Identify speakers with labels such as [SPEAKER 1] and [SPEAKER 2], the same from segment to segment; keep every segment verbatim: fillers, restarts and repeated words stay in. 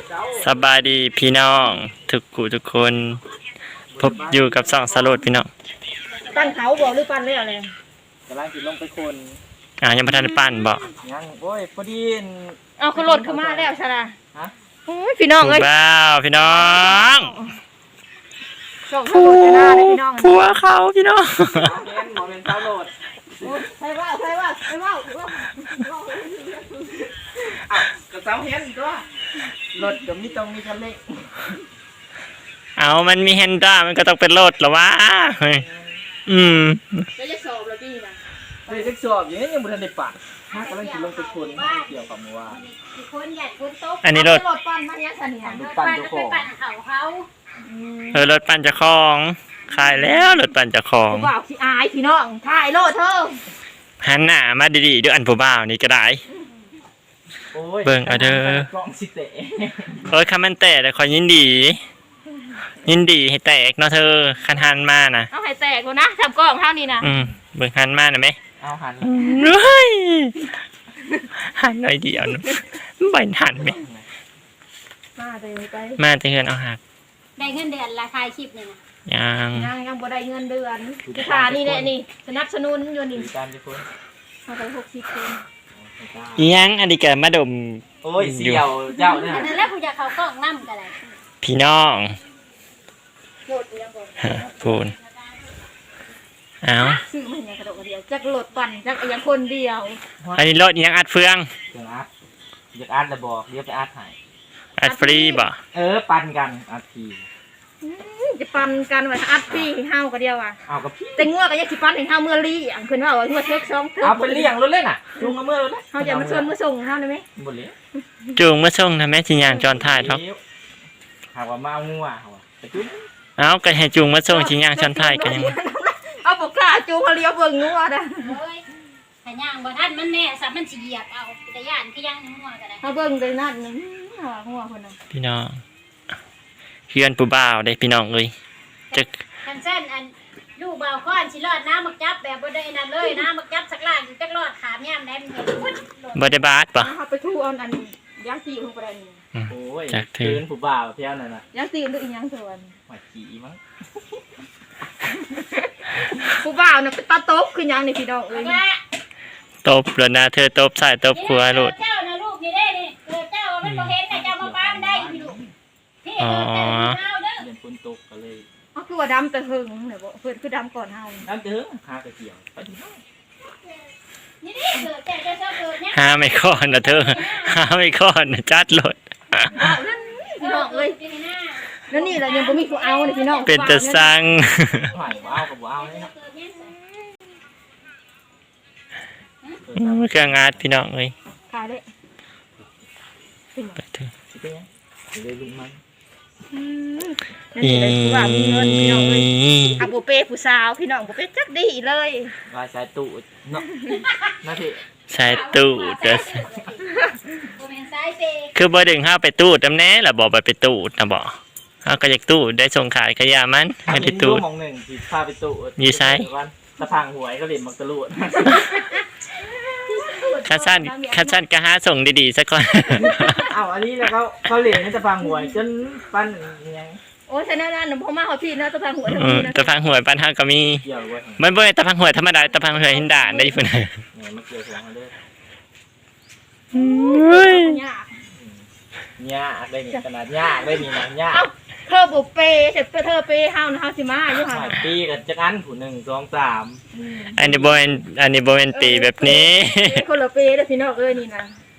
[SPEAKER 1] สบายดีพี่น้องทุกกูทุกคนพบอยู่กับสองสโลดพี่น้อง
[SPEAKER 2] ปั้นเขาบอกหรือปั้นเรื่องอะไร
[SPEAKER 3] กำลังจิตลงไปคน
[SPEAKER 1] อ่ายังไม่ทันได้ปั้นบอก
[SPEAKER 3] ยังโอ้ยพอดี
[SPEAKER 2] เอาขึ้นรถขึ้นมาแล้วใช่ไหมฮะพี่น้องเอ้ย
[SPEAKER 1] ว้าวพี่น้อง
[SPEAKER 2] ส่งขบวนจะหน้าเลยพี่น้อง
[SPEAKER 1] ผัวเขาพี่น้อง
[SPEAKER 3] เล่นหมอเป็นเต้าโหลด
[SPEAKER 2] ใช่ว่าใช่ว่าใช่ว่า
[SPEAKER 3] อ้าวกับสาวเห็นตัวรถกับมีตรงมีคันเร่ง
[SPEAKER 1] เอามันมีเฮนด้ามันก็ต้องเป็นรถหรอวะอืม
[SPEAKER 2] แล้วจะสอบแล้วพี่นะ
[SPEAKER 3] เฮ้ยจะสอบอย่างนี้ยังไม่ทันได้ปัดถ้ากำลังจิตลงไปคนเกี่ยวกับว่า
[SPEAKER 2] คนใหญ่คนโต
[SPEAKER 1] อันนี้รถ
[SPEAKER 2] รถปั้นมาเนี้ยสันนิษฐาน
[SPEAKER 3] รถปั้นเจ้าของ
[SPEAKER 2] เขาเขา
[SPEAKER 1] เออรถปั่นจะคลองขายแล้วรถปั่นจะคลอง
[SPEAKER 2] ผู้บ่าวขี้อายพี่น้องถ่ายโลดเธอ
[SPEAKER 1] หันหน้ามาดีๆด้วยอันผู้บ่าวนี่ก็ได้เบิ่งเอาเด้อก
[SPEAKER 3] ล้องสิเตะ
[SPEAKER 1] เอ้ยคำมันแตกแต่ขอยินดียินดีให้แตกเนาะเธอคันหันมานะ
[SPEAKER 2] เอาให้แตกนะทำกล้องเท่านี้นะ
[SPEAKER 1] อืมเบิ่งหันมาหน่อยไหม
[SPEAKER 3] เอาหัน
[SPEAKER 1] เฮ้ยหันหน่อยเดียวนะใบหันไหม
[SPEAKER 2] มาเตยไป
[SPEAKER 1] มาเตือนเอาหัก
[SPEAKER 2] ได้เงินเดือนราคาคลิปเนี่ยนะ
[SPEAKER 1] ยัง
[SPEAKER 2] ยังยังบ่ได้เงินเดือนค่านี่แหละนี่สนับสนุนอยู่นี่
[SPEAKER 3] การจะคน
[SPEAKER 2] เอาไปหกสิบคน
[SPEAKER 1] ยังอันนี้เกิดมาดม
[SPEAKER 3] โอ้ยเสี่ยวเจ้าเนี่ย
[SPEAKER 2] นั่นแหละผู้จะเขากล้องนั่มกันเลย
[SPEAKER 1] พี่น้องพูนเอา
[SPEAKER 2] ซื้อมันยังกระโดดเดียวจักรถปั่นจักยังคนเดียว
[SPEAKER 1] อันนี้รถยังอัดเฟือง
[SPEAKER 3] อยากอัดอยากอัดระบอกเดี๋ยวไปอัดให้
[SPEAKER 1] อัดฟรีบ่
[SPEAKER 3] เออปั่นกันอัดฟรี
[SPEAKER 2] จะปั่นกันว่าอัดฟรีเฮาก็เดียวอ่ะ
[SPEAKER 3] เอากับพี่
[SPEAKER 2] แต่งัวก็ยังสิปั่นให้เฮาเมื่อรีอ่ะเพิ่นว่าว่างัวเทคสอง
[SPEAKER 3] เอาไปเลี้ยงรถเล่นอ่ะจุงมาเมื่อรถเ
[SPEAKER 2] ฮาจะมาชวนมาส่งเฮาได้มั้ย
[SPEAKER 3] บ่เลี้ยง
[SPEAKER 1] จุงมาส่งทำแม่สิย่างจอนท้ายท็อป
[SPEAKER 3] หาว่ามาเอางัวเอาไปจุง
[SPEAKER 1] เอาก็ให้จุงมาส่งสิย่างจอนท้ายก็ยัง
[SPEAKER 2] เอาบ่กล้าจุงเฮาเลี้ยวเบิ่งงัวเด้อ
[SPEAKER 4] โอ้ยถ้าย่างบ่ทันมันแน่ซะมันสิเหยียบเอาแต่ย่านคือย่างงัวก็ได้
[SPEAKER 2] เฮาเบิ่งได้นั่นนึงงัวเพิ่นน่ะ
[SPEAKER 1] พี่น้องเฮือนผู้บ่าวได้พี่น้องเอ้ยจัก
[SPEAKER 4] คันซั่นอันลูกบ่าวค้อนสิรอดน้ำมักจับแบบบ่ได้นั่นเลยน้ำมักจับสักล่างจักรอดขามยามใดมันเห็นพุ่น
[SPEAKER 1] บ่ได้บาดบ่
[SPEAKER 2] เฮาไปทูเอาอันย่างตีลงไปนี่
[SPEAKER 3] โอ้ยจักถือผู้บ่าวเพี้ยนั่นน่ะ
[SPEAKER 2] ย่างตีด้วยอีหยังส่วน
[SPEAKER 3] หัวขี้มั้ง
[SPEAKER 2] ผู้บ่าวน่ะเป็นตาตบคือหยังนี่พี่น้องเอ้ย
[SPEAKER 1] ตบแล้วนะเธอตบใส่ตบขวาโลด
[SPEAKER 4] เจ้าน่ะลูกนี่เด้นี่เออเจ้ามันบ่เห็นแต่เจ้ามาป้ามันได้พี่ลูกพี่เออเจ้าเอาเด้อ
[SPEAKER 3] เรียนฝนตกก็เลย
[SPEAKER 2] อ๋อคือว่าดำแต่หึงเนี่ยบ่เพิ่นคือดำก่อนเฮา
[SPEAKER 3] ดำแต่หึงหากระเกี่ยวไปที่
[SPEAKER 4] นี่นี่เกิดแต่เจ้าเกิดเนี่ย
[SPEAKER 1] หาไม่ค้อนนะเธอหาไม่ค้อนนะจัดโลด
[SPEAKER 2] พี่น้องเอ้ยแล้วนี่แหละยังบ่มีผู้เอานี่พี่น้อง
[SPEAKER 1] เป็นตะสัง
[SPEAKER 3] หายบ่เอากับบ่เอาเลยครับ
[SPEAKER 1] เครื่องอาร์ตพี่น้องเอ้ย
[SPEAKER 2] ขายเลย
[SPEAKER 1] ไปเถอะ
[SPEAKER 3] เลยลุงมัน
[SPEAKER 2] นี่เลยผู้ว่ามีเงินพี่น้องเอ้ยอาบ่เป้ผู้สาวพี่น้องบ่เป้จักดีเลย
[SPEAKER 3] ว่าสายตู้เนาะนาที
[SPEAKER 1] สายตู้จะคือบ่ดึงเฮาไปตู้ตำแหน่ล่ะบ่ไปตู้นะบ่เฮาก็อยากตู้ได้ส่งขายขยะมันไม่ได้ตู้
[SPEAKER 3] มองหนึ่งสิพาไปตู้
[SPEAKER 1] อยู่ไส
[SPEAKER 3] ตะพังหวยก็เล่นมักตะลุด
[SPEAKER 1] ข้าสั้นข้าสั้นก็หาส่งดีๆซะก่อน
[SPEAKER 3] อ้าวอันนี้แล้วเขาเขาเล่นให้ตะพังหวยจนปั้นยัง
[SPEAKER 2] โอ้ยฉะนั้นนั่นพ่อมาเขาพี่นะตะพังหวย
[SPEAKER 1] ตะพังหวยปั้นเฮาก็มีมันบ่ตะพังหวยธรรมดาตะพังหวยหินด่านได้พุ่น
[SPEAKER 3] เนี่ยมันเกี่ยวกับเด้อ
[SPEAKER 1] เฮ้ย
[SPEAKER 3] ยากยากได้นี่ขนาดยากได้นี่นะยาก
[SPEAKER 2] เธอบุเป้เสร็จเธอเป้เฮานะเฮาสิมาอยู่ห่า
[SPEAKER 3] ปีกันจักอันผู้หนึ่งสองสาม
[SPEAKER 1] อันนี้บ่เป็นอันนี้บ่เป็นปีแบบนี้
[SPEAKER 2] คนละเป้เด้อพี่น้องเอ้ยนี่นะ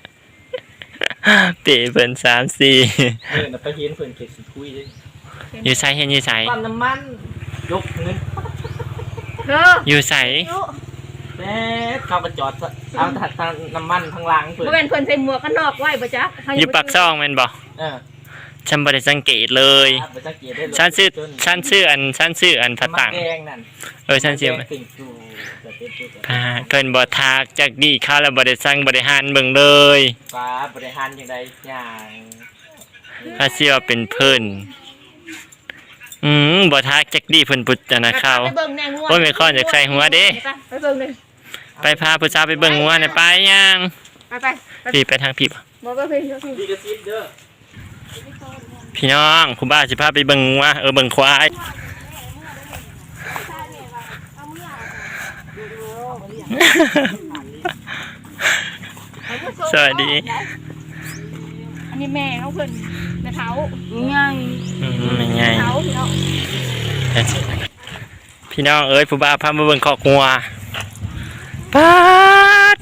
[SPEAKER 1] ปีเพิ่นสาม สี่
[SPEAKER 3] เออน่ะไปเห็นเพิ่นเก็บสิคุยเด้
[SPEAKER 1] อยู่ไสเฮ็ดอยู่ไส
[SPEAKER 3] ปั๊มน้ำมันยกเงิน
[SPEAKER 2] เธอ
[SPEAKER 1] อยู่ไส
[SPEAKER 3] แม่เขาก็จอดเอาทางน้ำมันทางล่างเพิ่น
[SPEAKER 2] บ่แม่นเพิ่นใส่หมวกกันนอกไว้บ่จ๊ะ
[SPEAKER 1] อยู่ปากซองแม่นบ่
[SPEAKER 3] เออ
[SPEAKER 1] ฉันบ่ได้สังเกตเลยฉันชื่อฉันชื่ออันฉันชื่ออันพระตังเออฉันชื่อพาเพิ่นบ่ทักจักดีข้าวแล้วบ่ได้สั่งบ่ได้หันเบิ่งเลย
[SPEAKER 3] ป้าบ่ได้หันจังได๋อย่าง
[SPEAKER 1] ถ้าเชื่อเป็นเพิ่นอืมบ่ทักจักดีเพิ่นพุทธนะข้าวโอ้ยไม่ค่อยอยากใส่หัวเด้
[SPEAKER 2] ไปเบิ่งเลย
[SPEAKER 1] ไปพาผู้สาวไปเบิ่งงัวน่ะไปยัง
[SPEAKER 2] ไปไป
[SPEAKER 1] พี่ไปทางพี่บ่
[SPEAKER 2] บ่บ่พี่
[SPEAKER 3] พี่กระซิบเด้อ
[SPEAKER 1] พี่น้องคุณบ้าสิพาไปเบิ่งว่าเออเบิ่งควายสวัสดี
[SPEAKER 2] อันนี้แม่เขาเพิ่นแม่เท้าไง
[SPEAKER 1] อืมไม่ไง
[SPEAKER 2] เท้าพี่น้อง
[SPEAKER 1] พี่น้องเอ้ยผู้บ้าพามาเบิ่งคอกงัวปาด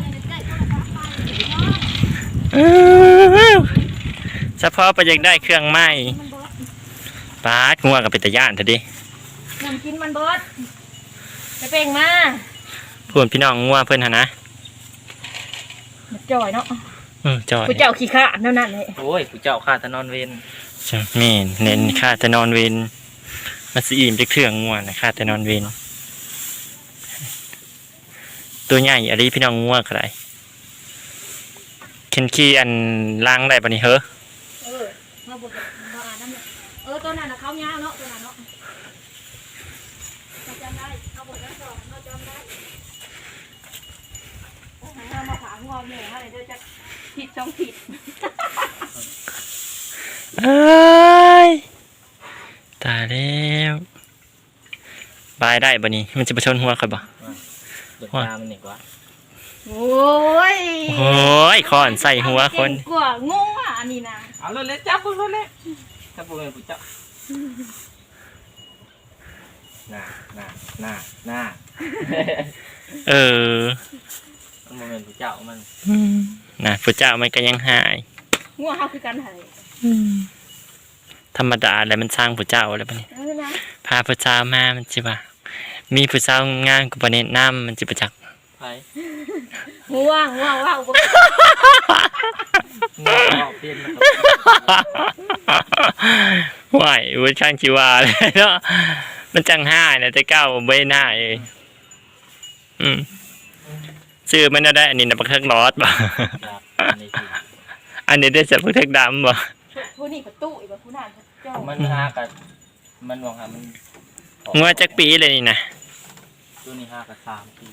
[SPEAKER 1] เฉพาะไปอยากได้เครื่องไม้ปาดงัวกับเป็นตะย่านเถอะดิ
[SPEAKER 2] น้ำกินมันเบิดไปเป่งมา
[SPEAKER 1] พูดพี่น้องงัวเพิ่นหนนะ
[SPEAKER 2] จ่อยเนาะ
[SPEAKER 1] เออจอย
[SPEAKER 2] ผู้เจ้าขี้ข้านั่นนั่นเลย
[SPEAKER 3] โอ้ยกูเจ้าข้าตะนอนเวน
[SPEAKER 1] จะแม่นเน้นค่าจะนอนเวนมาสิอิ่มจะเครื่องงัวนะค่าจะนอนเวนตัวใหญ่อะไรพี่น้องงัวก็ได้เคนขี้อันล้างได้ปะนี่เฮ้อ
[SPEAKER 2] เออมาบุกมาอ่านน้ำเลยเออตัวนั้นน่ะเขาเงาเนาะตัวนั้นเนาะเราจำได้เขาบอกแล้วก่อนเราจำได้โอ้ยมาขางอแม่เขาเลยเดี๋ยวจะผิดช่องผิด
[SPEAKER 1] เอ้ยตายแล้วบายได้ปะนี่มันจะไปชนหัวใครบ่
[SPEAKER 3] เดือดตามันหนึ่งวะ
[SPEAKER 2] โอ้ย
[SPEAKER 1] โอ้ยคอนใส่หัวคน
[SPEAKER 2] กว่างงอ่ะอันนี้นะ
[SPEAKER 3] เอาเลยเลยจับปุ๊บเลยจับปุ๊บเลยกูจับหน้าหน้าหน้าหน้า
[SPEAKER 1] เออ
[SPEAKER 3] มันโมเมนต์กูเจ้ามัน
[SPEAKER 1] นะพระเจ้ามันก็ยังหาย
[SPEAKER 2] งัวเขาคือกันไห้
[SPEAKER 1] ธรรมดาแล้วมันสร้างพระเจ้าแล้วปะนี่
[SPEAKER 2] เออนะ
[SPEAKER 1] พาพระเจ้ามามันจิว่ามีพระเจ้างานกุปเนตน้ำมันจิประจักษ์
[SPEAKER 3] ไป
[SPEAKER 2] ง่วงง่วงว่าว
[SPEAKER 3] เงาออกเปลี่ยนนะครับ
[SPEAKER 1] ไหวเวอร์ชันชีวาเลยเนาะมันจังห้าเนี่ยจะก้าวใบหน้าเองอืมชื่อมันน่าได้อันนี้นะปักเทิกลอดบ่
[SPEAKER 3] ครับอันนี้สิ
[SPEAKER 1] อันนี้ได้จากปักเทิกดำบ่
[SPEAKER 2] ผู้นี่ประตูอีกแบบผู้นั่นเจ้า
[SPEAKER 3] มันหากับมันวางหามัน
[SPEAKER 1] งัวจักปีเลยนี่นะ
[SPEAKER 3] ตัวนี้หากับสามปี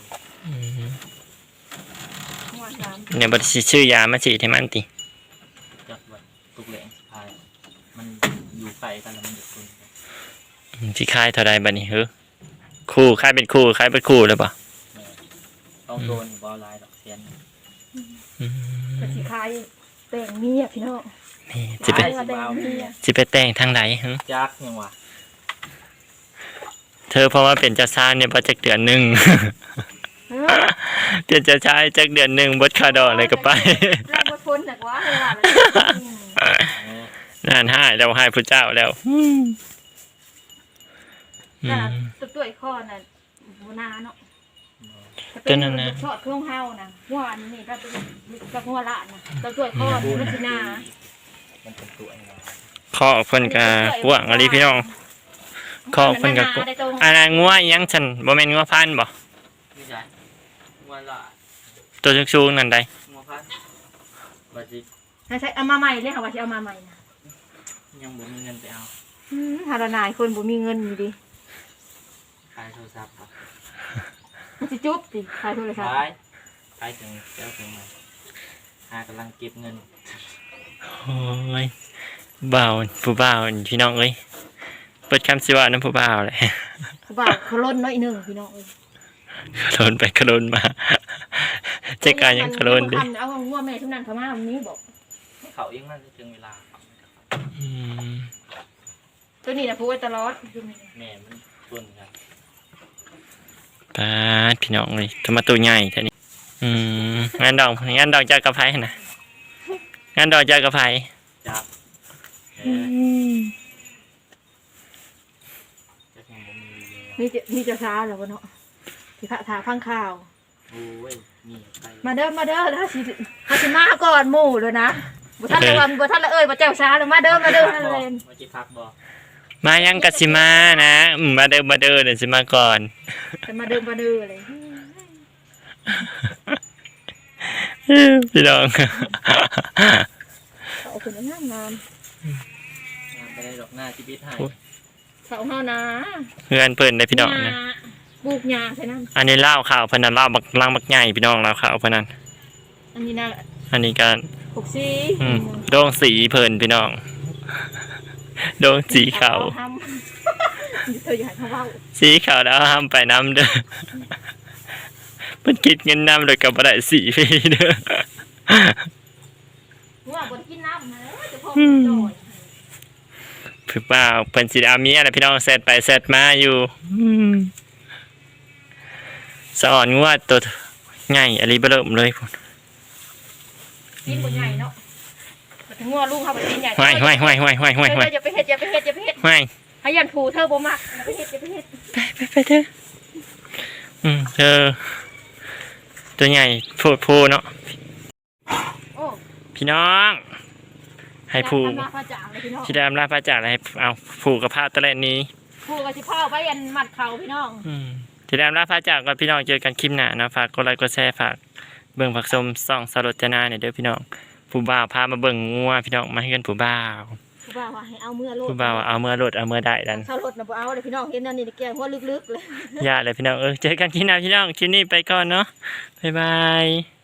[SPEAKER 2] ง่วงน้
[SPEAKER 1] เนี่ยบริษัทชื่อยามาฉีดให้มันติ
[SPEAKER 3] จับไว้ตุกแหลงสะพายมันอยู่ไกลกันแล้วมันเดือดคน
[SPEAKER 1] ที่ค่ายเท่าใดบัดนี้เฮ้อคู่ค่ายเป็นคู่ค่ายเป็นคู่เลยป่ะ
[SPEAKER 3] ต้องโดนบอลลายดอกเทียน
[SPEAKER 2] ำกระสีคายแบ่งเมียพี่น้อง
[SPEAKER 1] นี่สิไป
[SPEAKER 2] แบ่งเมีย
[SPEAKER 1] สิไปแต่งทางไหนฮะ
[SPEAKER 3] จักยังวะ
[SPEAKER 1] เธอเพราะว่าเป็นเจ้าชายเนี่ยพอจักเดือนหนึ่ง
[SPEAKER 2] เออ
[SPEAKER 1] เป็นเจ้าชายจักเดือนหนึ่งบดคาดอกเลยก็ไป
[SPEAKER 2] เราบพ้นจากว่าเลยว่า
[SPEAKER 1] นั่นให้เราให้พระเจ้าแล้วอืม
[SPEAKER 2] แต่ตัวตัวข้อน่ะโบนาเนาะชอดเครื่องเฮานะหัวอันนี้ก็กับหัวละนะตัวตัวข้อมันสินา
[SPEAKER 3] มันเป็นตัวยังไง
[SPEAKER 1] ข้อเพิ่นกะกว้างอะไรพี่น้องข้อเพิ่นกะกว้างอันนั้นงัวอิหยังฉันบ่แม่นงัวพันธุ์บ่
[SPEAKER 3] นี่ใช่งัวละ
[SPEAKER 1] ตัวสูงๆนั่นใด
[SPEAKER 3] งัวพันบาจิ
[SPEAKER 2] ใช่เอามาใหม่เลยค่ะว่าจะเอามาใหม่นะ
[SPEAKER 3] ยังบ่มีเงินไปเอา
[SPEAKER 2] ฮาราายคนบ่มีเงินอยู่ดิ
[SPEAKER 3] ขายโทรศัพท์ครับ
[SPEAKER 2] มันจะจุ๊บสิขายโทรศัพท์
[SPEAKER 3] ขายขายถึงเจ้าถึงมาหากำลังเก็บเงิน
[SPEAKER 1] โอ้ยบ่าวผู้บ่าวพี่น้องเอ้ยเปิดคำสิว่าน้ำผู้บ่าวเลย
[SPEAKER 2] บ่าวเขาล้นน้อยหนึ่งพี่น้องเอ้ย
[SPEAKER 1] ขลนไปขลนมาเจ๊กายยังขลนดิ
[SPEAKER 2] เอาหัวแม่ทุกนั้นเขามาวันนี้บอก
[SPEAKER 3] เขายังนั่นถึงเวลา
[SPEAKER 1] อืม
[SPEAKER 2] ตัวนี้นะพูดไว้ตลอด
[SPEAKER 3] แม่มันส่วนกัน
[SPEAKER 1] ปาดพี่น้องเลยทำไมตัวใหญ่แท่นี้อืมงานดอกงานดอกจากกระไพนะงานดอกจากกระไพ
[SPEAKER 3] จับเออจะยังบ่มีเลย
[SPEAKER 2] มีจะมีจะช้าแล้วเนาะที่พระถาพังข่าว
[SPEAKER 3] โอ้ยนี่ไป
[SPEAKER 2] มาเด้อมาเด้อถ้าสิถ้าสิมาก่อนหมู่เลยนะบ่ท่านละวันบ่ท่านละเอ้ยบ่แจ้วช้าเลยมาเด้อมาเด้อท่านเลย
[SPEAKER 3] มาจิพักบ่
[SPEAKER 1] มายังกัสิมานะอืมมาเดิมมาเดิมเดี๋ยวสิมาก่อน
[SPEAKER 2] แต่มาเด้อมาเด้อเลย
[SPEAKER 1] พี่น้อง
[SPEAKER 2] เอาขึ้นงามงาม
[SPEAKER 3] งานไปได้ดอกหน้าชีวิตให้
[SPEAKER 2] เสาเฮานะ
[SPEAKER 1] เพื่อนเพื่อนได้พี่น้องนะ
[SPEAKER 2] ปลูกหญ้าใช่นั้น
[SPEAKER 1] อันนี้เล่าข่าวพนันเล่าบักลังบักใหญ่พี่น้องเล่าข่าวพนัน
[SPEAKER 2] อันนี้นะ
[SPEAKER 1] อันนี้การ
[SPEAKER 2] หกสี
[SPEAKER 1] อืมโดงสีเพิ่นพี่น้องโดงสีขาว
[SPEAKER 2] ทำเธออย่าให้เขาเว้า
[SPEAKER 1] สีขาวแล้วห้ามไปน้ำเด้อมันคิดเงินน้ำโดยกับบ่ได้สีฟรีเด้อ
[SPEAKER 2] ว่าบ่ได้กินน้ำนะจะพอโดน
[SPEAKER 1] พี่บ่าวเพิ่นสิเอาเมียอะไรพี่น้องแซดไปแซดมาอยู่อืมสอนงัวตัวใหญ่อะไรเบิ่มเลยพุ่น
[SPEAKER 2] กินบ่ใหญ่เนาะถึงงัวลูกเขาไปกินใหญ่
[SPEAKER 1] ห้วยห้วยห้วยห้วยห้วยห้วยห้วย
[SPEAKER 2] อย่าไปเฮ็ดอย่าไปเฮ็ดอย่าไปเฮ็ด
[SPEAKER 1] ห้วย
[SPEAKER 2] ให้ยันผูเธอบ่มักอย่าไปเฮ็ดอย่าไปเฮ็ด
[SPEAKER 1] ไปไปไปเถอะอืมเธอตัวใหญ่โพดโพเนาะ
[SPEAKER 2] โอ้
[SPEAKER 1] พี่น้องให้ผู
[SPEAKER 2] ทำมาพระจ่างเลยพี่น้อง
[SPEAKER 1] ที่ได้อำลาพระจากอะไรให้เอาผูกกับผ้าตะเล่นนี้
[SPEAKER 2] ผูกับสิพ่อไว้ยันมัดเขาพี่น้อง
[SPEAKER 1] อืมที่ได้อำลาพระจากก่อนพี่น้องเจอกันคลิปหน้านะฝากกดไลค์กดแชร์ฝากเบิ่งผักสมส่องสรจนาเนี่ยเด้อพี่น้องผู้บ่าวพามาเบิ่งงัวพี่น้องมาให้กันผู้บ่าว
[SPEAKER 2] ผู้บ่าวว่าให้เอาเมื่อโลด
[SPEAKER 1] ผู้บ่าวเอาเมื่อรถเอาเมื่อได้ดัน
[SPEAKER 2] เช่ารถน่ะบ่เอาเลยพี่น้องเห็นนั่นนี่แกหัวลึกๆเลย
[SPEAKER 1] อย่าเลยพี่น้องเออเจอกันคลิปหน้าพี่น้องคลิปนี้ไปก่อนเนาะบ๊ายบาย